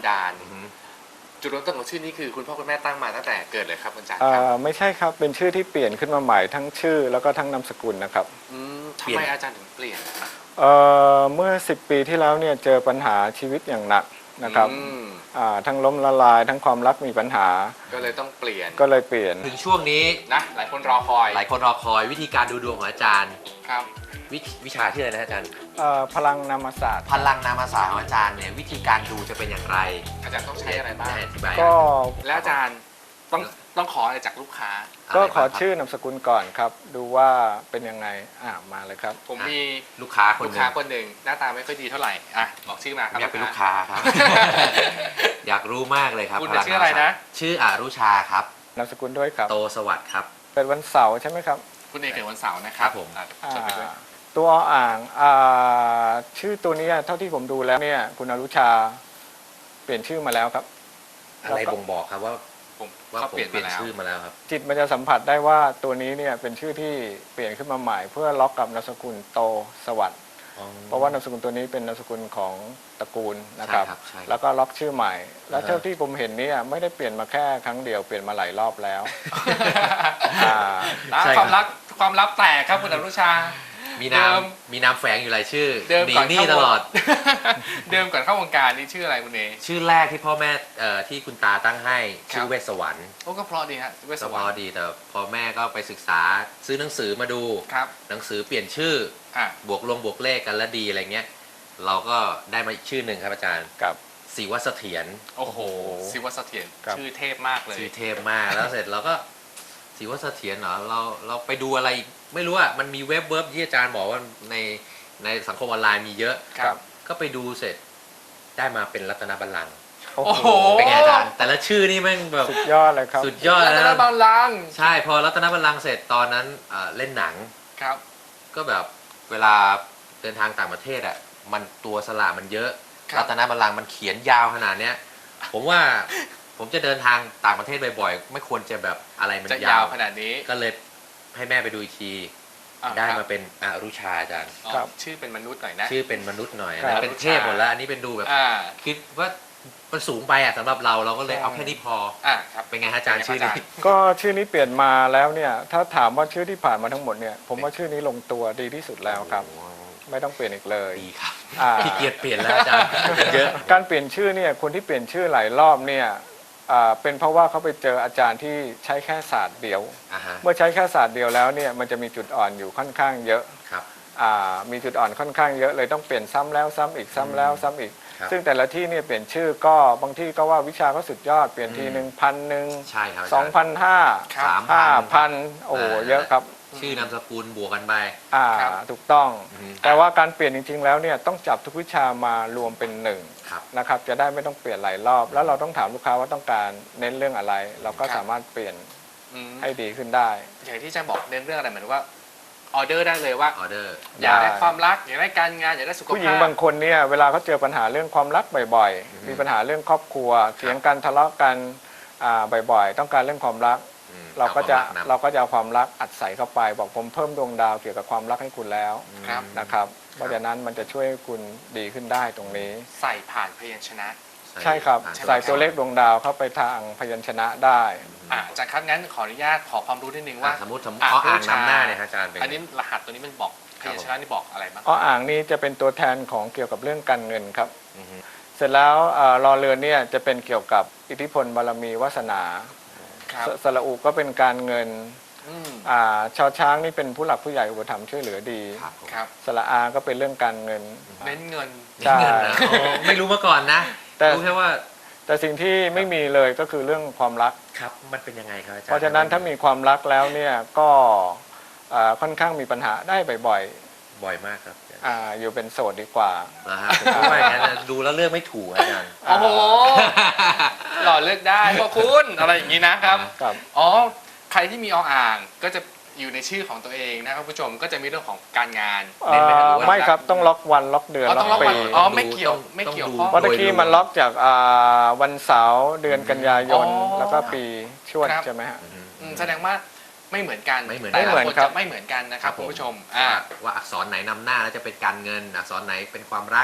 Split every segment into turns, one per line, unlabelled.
ดาลจุดเริ่มต้นของชื่อนี้คือคุณพ่อคุณแม่ตั้งมาตั้งแต่เกิดเลยครับอาจารย์ครับ
ไม่ใช่ครับเป็นชื่อที่เปลี่ยนขึ้นมาใหม่ทั้งชื่อแล้วก็ทั้งนามสกุลนะครับ
ทำไมอาจารย์ถึงเปลี่ยน
เมื่อ10 ปีที่แล้วเนี่ยเจอปัญหาชีวิตอย่างหนักนะครับทั้งล้มละลายทั้งความรักมีปัญหา
ก็เลยต้องเปลี่ยน
ถึงช่วงนี้
นะหลายคนรอคอย
วิธีการดูดวงของอาจารย์
ครับ
วิชาที่อะไรนะอาจารย์
พลังนามศาสตร์
พลังนามศาสตร์ของอาจารย์เนี่ยวิธีการดูจะเป็นอย่างไร
อาจารย์ต้องใช้อะไรบ้าง
อธิบาย
ก็
แล้วอาจารย์ต้องขออะไรจากลูกค้า
ก็ขอชื่อนามสกุลก่อนครับดูว่าเป็นยังไงมาเลยครับ
ผมมี
ลูกค้าคน
หนึ่งหน้าตาไม่ค่อยดีเท่าไหร่บอกชื่อมาครับ
อยากเป็นลูกค้าครับ อยากรู้มากเลยครับ
คุณชื่ออะไรนะ
ชื่ออรุชาครับ
นามสกุลด้วยครับ
โตสวัสดิ์ครับ
เกิดวันเสาร์ใช่ไหมครับ
คุณเอกเกิดวันเสาร์นะครับ
ผม
ตัวอ่างชื่อตัวนี้เท่าที่ผมดูแล้วเนี่ยคุณอรุชาเปลี่ยนชื่อมาแล้วครับ
อะไรบ่งบอกครับว่า
ผม
เปลี่ยนชื่อมาแล้วครับ
จิตมันจะสัมผัสได้ว่าตัวนี้เนี่ยเป็นชื่อที่เปลี่ยนขึ้นมาใหม่เพื่อล็อกกับนามสกุลโตสวัสดิ์เพราะว่านามสกุลตัวนี้เป็นนามสกุลของตระกูลนะครับแล้วก็ล็อกชื่อใหม่แล้วเท่าที่ผมเห็นเนี่ยไม่ได้เปลี่ยนมาแค่ครั้งเดียวเปลี่ยนมาหลายรอบแล้ว
ความลับแตกครับคุณอนุชา
มีนามแฝงอยู่หลายชื่อ
หนีหนี้
ตลอด
เดิมก่อนเข้าวงการนี่ชื่ออะไรคุณเอ
ชื่อแรกที่พ่อแม่ที่คุณตาตั้งให้ชื่อเวสสวรรค์
ก็เพราะดีฮะเวสสวรรค์
เพราะดีแต่พอแม่ก็ไปศึกษาซื้อหนังสือมาดูหนังสือเปลี่ยนชื่อบวกเลขกันแล้วดีอะไรเงี้ยเราก็ได้มาอีกชื่อหนึ่งครับอาจารย์
กับ
ศิวเสถียร
โอ้โหศิวเสถียรชื่อเทพมากเลย
ชื่อเทพมากแล้วเสร็จเราก็ศิวเสถียรเหรอเราไปดูอะไรไม่รู้อ่ะมันมีเว็บที่อาจารย์บอกว่าในสังคมออนไลน์มีเยอะก็ไปดูเสร็จได้มาเป็นรัตนบัลลังก์
โอ้โห
เป็นไงอาจารย์แต่ละชื่อนี่แม่งแบบ
สุดยอดเลยครับ
สุดยอด
รัตนบัลลังก์
ใช่พอรัตนบัลลังก์เสร็จตอนนั้นเล่นหนัง
ครับ
ก็แบบเวลาเดินทางต่างประเทศอ่ะมันตัวสระมันเยอะรัตนบัลลังก์มันเขียนยาวขนาดเนี้ยผมว่าผมจะเดินทางต่างประเทศบ่อยๆไม่ควรจะแบบอะไรมัน
ยาวขนาดนี้
ก็เลยให้แม่ไปดูอีกทีได้มาเป็นอรุชาอาจารย์
ชื่อเป็นมนุษย์หน่อยนะ
ชื่อเป็นมนุษย์หน่อยเป็นเทพหมดแล้วอันนี้เป็นดูแบบคิดว่ามันสูงไปสำหรับเราก็เลยเอาแค่นี้พอเป็นไงอาจารย์ชื่อนี้
ก็ชื่อนี้เปลี่ยนมาแล้วเนี่ยถ้าถามว่าชื่อที่ผ่านมาทั้งหมดเนี่ยผมว่าชื่อนี้ลงตัวดีที่สุดแล้วครับไม่ต้องเปลี่ยนอีกเลย
ดีครับขี้เกียจเปลี่ยนแล้วอาจารย์เยอะ
การเปลี่ยนชื่อเนี่ยคนที่เปลี่ยนชื่อหลายรอบเนี่ยเป็นเพราะว่าเขาไปเจออาจารย์ที่ใช้แค่ศาสตร์เดียวเมื่อใช้แค่ศาสตร์เดียวแล้วเนี่ยมันจะมีจุดอ่อนอยู่ค่อนข้างเยอะมีจุดอ่อนค่อนข้างเยอะเลยต้องเปลี่ยนซ้ำแล้วซ้ำอีกซ้ำแล้วซ้ำอีกซึ่งแต่ละที่เนี่ยเปลี่ยนชื่อก็บางที่ก็ว่าวิชาเขาสุดยอดเปลี่ยนที1,000
ใช่ครับ
2,500 5,000โอ้เยอะครับ
ชื่อนามสกุลบวกกันไป
ถูกต้องแต่ว่าการเปลี่ยนจริงๆแล้วเนี่ยต้องจับทุกวิชามารวมเป็นหนึ่งนะครับจะได้ไม่ต้องเปลี่ยนหลายรอบแล้วเราต้องถามลูกค้าว่าต้องการเน้นเรื่องอะไรเราก็สามารถเปลี่ยนให้ดีขึ้นได้
อย่างที่อาจารย์บอกเน้นเรื่องอะไรเหมือนว่าออเดอร์ได้เลยว่า
ออเดอร์
อยากได้ความรักอยากได้การงานอยากได้สุขภาพ
ผู้หญิงบางคนเนี่ยเวลาเขาเจอปัญหาเรื่องความรักบ่อยๆมีปัญหาเรื่องครอบครัวเถียงกันทะเลาะกันบ่อยๆต้องการเรื่องความรักเราก็จะเอาความรักอัดใส่เข้าไปบอกผมเพิ่มดวงดาวเกี่ยวกับความรักให้คุณแล้วนะครับเพราะฉะนั้นมันจะช่วยให้คุณดีขึ้นได้ตรงนี้
ใส่ผ่านพยัญชนะ
ใช่ครับใส่ตัวเลขดวงดาวเข้าไปทางพยัญชนะได้
อาจารย์ครับงั้นขออนุญาตขอความรู้นิดนึงว่า
สมมติอ่างนำหน้าเนี่ยอาจารย์
อันนี้รหัสตัวนี้มันบอกพยัญชนะนี่บอกอะไรบ้าง
อ่างนี้จะเป็นตัวแทนของเกี่ยวกับเรื่องการเงินครับเสร็จแล้วรอเรือนเนี่ยจะเป็นเกี่ยวกับอิทธิพลบารมีวาสนาสระอุก็เป็นการเงินชาวช้างนี่เป็นผู้หลักผู้ใหญ่อุปถัมภ์ช่วยเหลือดีสระอาก็เป็นเรื่องการเงิน
เน้นเงิน
ใช่
ไม่รู้มาก่อนนะรู้แค่ว่า
แต่สิ่งที่ไม่มีเลยก็คือเรื่องความรัก
ครับมันเป็นยังไงครับอาจารย์
เพราะฉะนั้นถ้ามีความรักแล้วเนี่ยก็ค่อนข้างมีปัญหาได้บ่อย
มากครับ
อยู่เป็นโสดดีกว่า
ผมว่าอย่างนั้นดูแล้วเลือกไม่ถูกอาจารย์
โอ้โหหล่อเลือกได้พวกคุณอะไรอย่างนี้นะครับอ๋อใครที่มีอ่างก็จะอยู่ในชื่อของตัวเองนะครับผู้ชมก็จะมีเรื่องของการงาน
ไม่ครับต้องล็อกวันล็อกเดือนล็อกปี
ไม่เกี่ยว
เพราะตะกี้มันล็อกจากวันเสาร์เดือนกันยายนแล้วก็ปีชวดใช่ไหมฮะ
แสดงว่าไม่เหมือนกัน
ไม่เหมือน
จะไม่เหมือนกันนะครับคุณผู้ชม
ว่าอักษรไหนนำหน้าแล้วจะเป็นการเงินอักษรไหนเป็นความรัก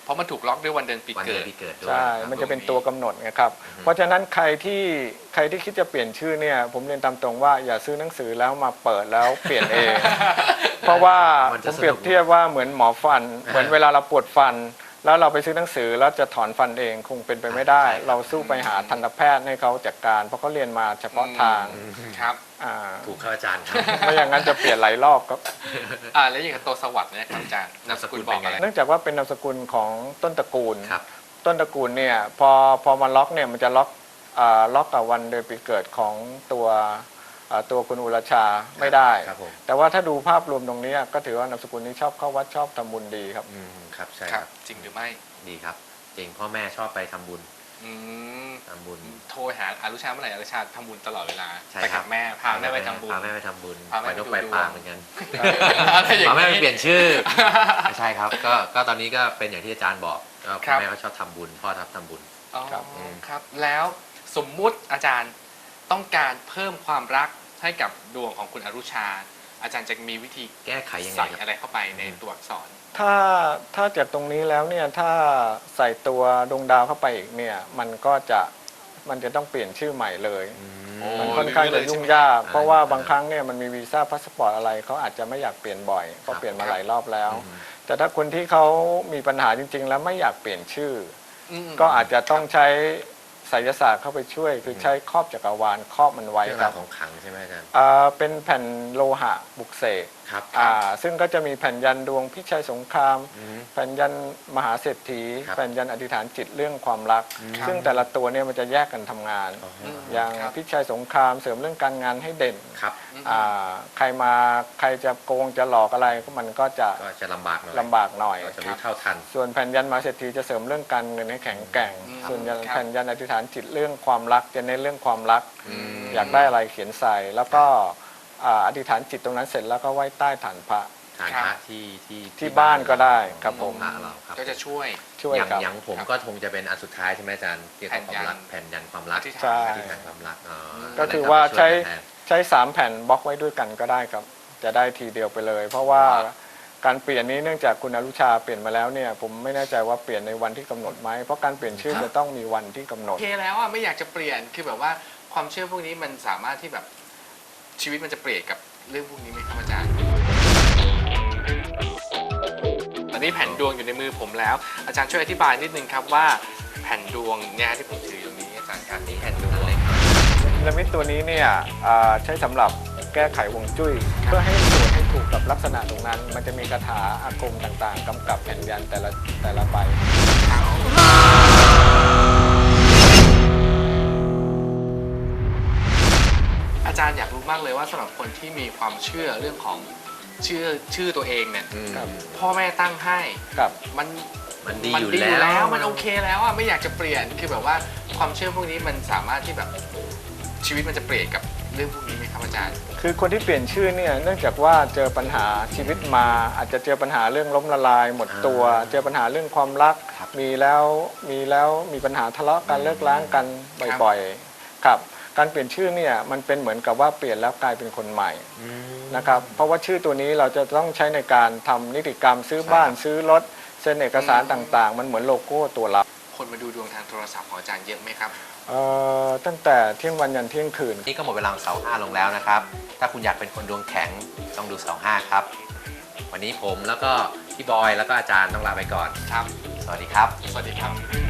เพราะมันถูกล็อกด้วยวันเดือนปี
วัน
เกิ
เดือ
ด
นปีเกิดด้วย
ใช่
ครับ
มันจะเป็นตัวกำหนดนะครับ เพราะฉะนั้นใครที่คิดจะเปลี่ยนชื่อเนี่ยผมเรียนตามตรงว่าอย่าซื้อหนังสือแล้วมาเปิดแล้วเปลี่ยนเอง เพราะว่าผมเปรียบเทียบว่าเหมือนหมอฟัน เหมือนเวลาเราปวดฟัน แล้วเราไปซื้อหนังสือแล้วจะถอนฟันเองคงเป็นไปไม่ได้ เราสู้ไปหาทันตแพทย์ให้เขาจัดการ เพราะเขาเรียนมาเฉพาะทาง
ครับ
ถูกครับอาจารย์ครับ
ไม่อย่างนั้นจะเปลี่ยนหลายรอบครับ
แล้วอย่างกับตัวสวัสดิ์เนี่ยครับอาจารย์นามสกุลบอกอะไร
เนื่องจากว่าเป็นนามสกุลของต้นตระกูล
ครับ
ต้นตระกูลเนี่ยพอมาล็อกเนี่ยมันจะล็อกกับวันเดือนปีเกิดของตัวคุณอุรชาไม่ได้
ครับผม
แต่ว่าถ้าดูภาพรวมตรงนี้ก็ถือว่านามสกุลนี้ชอบเข้าวัดชอบทำบุญดีครับ
ครับใช่
ค
ค
รั
รั
บบ จริงหรือไม่
ดีครับจริงพ่อแม่ชอบไปทำบุญ
อืม
ทำบุญ
โทรหาอารุชาเมื่อไหร่อารุชาทำบุญตลอดเวลา
ใช่
ไป
ครั
กับบ แม่พาแม่ไปทำบุญ
พาแม่ไปทำบุญ
พาแม่
ไป
ไป
นก
ดู
ไป
ดวง
ปลาเหมือนกัน
อะไรอย่าง
พาแม่ไป
นี้
เปลี่ยนชื่อ ไม่ใช่ครับก็ตอนนี้ก็เป็นอย่างที่อาจารย์บอกก็
ครั
พ่อบ แม่เขาชอบทำบุญพ่อทำบุญ
อ๋อ
ครับ
ครับ แล้วสมมุติอาจารย์ต้องการเพิ่มความรักให้กับดวงของคุณอรุชา อาจารย์จะมีวิธี
แก้ไขยังไง
ใส่
ครับ
อะไรเข้าไปในตัวอักษร
ถ้าจากตรงนี้แล้วเนี่ยถ้าใส่ตัวดวงดาวเข้าไปอีกเนี่ยมันจะต้องเปลี่ยนชื่อใหม่เลย
โอ้
มันค่อนข้างจะยุ่งยาก
ใช่ไหม
เพราะว่าบางครั้งเนี่ยมันมีวีซ่าพาสปอร์ตอะไรเขาอาจจะไม่อยากเปลี่ยนบ่อยเพราะเปลี่ยนมาหลายรอบแล้ว แต่ถ้าคนที่เขามีปัญหาจริงๆ แล้วไม่อยากเปลี่ยนชื่อ ก็อาจจะต้องใช้ไสยศาสตร์เข้าไปช่วย คือใช้ครอบจักรวาลครอบมันไว้
เรื่อง
ค
รา
รั
ว
บ
ของขลังใช่ไหมอาจารย์
เป็นแผ่นโลหะบุกเสก
ครับ
ซึ่งก็จะมีแผ่นยันดวงพิชัยสงคราม แผ่นยันมหาเศรษฐี
ครับ
แผ่นยันอธิษฐานจิตเรื่องความรัก ซึ่งแต่ละตัวเนี่ยมันจะแยกกันทำงาน อย่าง
ครับ
พิชัยสงครามเสริมเรื่องการงานให้เด่น
ครับ
ใครจะโกงจะหลอกอะไรก็มันก็จะ
ก็จะลำบากหน่อย
ลำบากหน่อย
ก็จะรู้เท่าทัน
ส่วนแผ่นยันมหาเศรษฐีจะเสริมเรื่องการเงินให้แข็งแกร่ง ส่วน
ครับ
แผ่นยันอธิษฐานจิตเรื่องความรักจะเน้นเรื่องความรัก
ม
อยากได้อะไรเขียนใส่ แล้วก็อธิษฐานจิตตรงนั้นเสร็จแล้วก็ไหว้ใต้ฐานพระ
ฐานพระที่
ที่บ้านก็ได้ครับผม
พระเราครับ
ก็จะช่วย
ช่วย
อย่าง
ครับ
อย่างผมก็คงจะเป็นอันสุดท้ายใช่ไหมอาจารย์เกี่ยวกับความรัก
แผ่
แผ่
น
น
ยั
ยั
น
นความรัก
ใช่
ที่แผ่นความรัก
ก็คือว่าใช้
แทน
ใช้3แผ่นบล็อกไว้ด้วยกันก็ได้ครับ จะได้ทีเดียวไปเลย เพราะว่าการเปลี่ยนนี้เนื่องจากคุณอรุชาเปลี่ยนมาแล้วเนี่ยผมไม่แน่ใจว่าเปลี่ยนในวันที่กำหนดไหมเพราะการเปลี่ยนชื่อจะต้องมีวันที่กำหนด
โอเคแล้วไม่อยากจะเปลี่ยนคือแบบว่าความเชื่อพวกนี้มันสามารถที่แบบชีวิตมันจะเปลี่ยนกับเรื่องพวกนี้ไหมครับอาจารย์ตอนนี้แผ่นดวงอยู่ในมือผมแล้ว อาจารย์ช่วยอธิบายนิดนึงครับว่าแผ่นดวงเนี่ยที่ผมถืออยู่นี้อาจารย์ครับนี่แผ่นดวงเลย
พีระมิดตัวนี้เนี่ยใช้สำหรับแก้ไขฮวงจุ้ยเพื่อให้สวยให้ถูกกับลักษณะตรงนั้น มันจะมีคาถาอาคมต่างๆกำกับแผ่นยันแต่ละใบ
อาจารย์อยากรู้มากเลยว่าสำหรับคนที่มีความเชื่อเรื่องของชื่อตัวเองเนี่ย
ครับ
พ่อแม่ตั้งให้
ครับ
มัน
มันดี
มัน
อยู่
ดีอยู่
แล้
แล้ว วมันโอเคแล้วอ่ะไม่อยากจะเปลี่ยนคือแบบว่าความเชื่อพวกนี้มันสามารถที่แบบชีวิตมันจะเปลี่ยนกับเรื่องพวกนี้ไหมครับอาจารย์
คือคนที่เปลี่ยนชื่อเนี่ยเนื่องจากว่าเจอปัญหาชีวิตมาอาจจะเจอปัญหาเรื่องล้มละลายหมดตัว เจอปัญหาเรื่องความรัก
ครับ
มีปัญหาทะเลาะกันเลิกล้างกันบ่อยๆครับการเปลี่ยนชื่อเนี่ยมันเป็นเหมือนกับว่าเปลี่ยนแล้วกลายเป็นคนใหม่นะครับเพราะว่าชื่อตัวนี้เราจะต้องใช้ในการทำนิติกรรมซื้อบ้านซื้อรถเซ็นเอกสารต่างๆ มันเหมือนโลโก้ตัวเรา
คนมาดูดวงทางโทรศัพท์ของอาจารย์เยอะไหมครับ
ตั้งแต่เที่ยงวันยันเที่ยงคืน
นี่ก็หมดเวลาของเสาร์5ลงแล้วนะครับ ถ้าคุณอยากเป็นคนดวงแข็งต้องดูเสาร์5ครับ วันนี้ผมแล้วก็พี่บอยแล้วก็อาจารย์ต้องลาไปก่อน
ครับ
สวัสดีครับ
สวัสดีครับ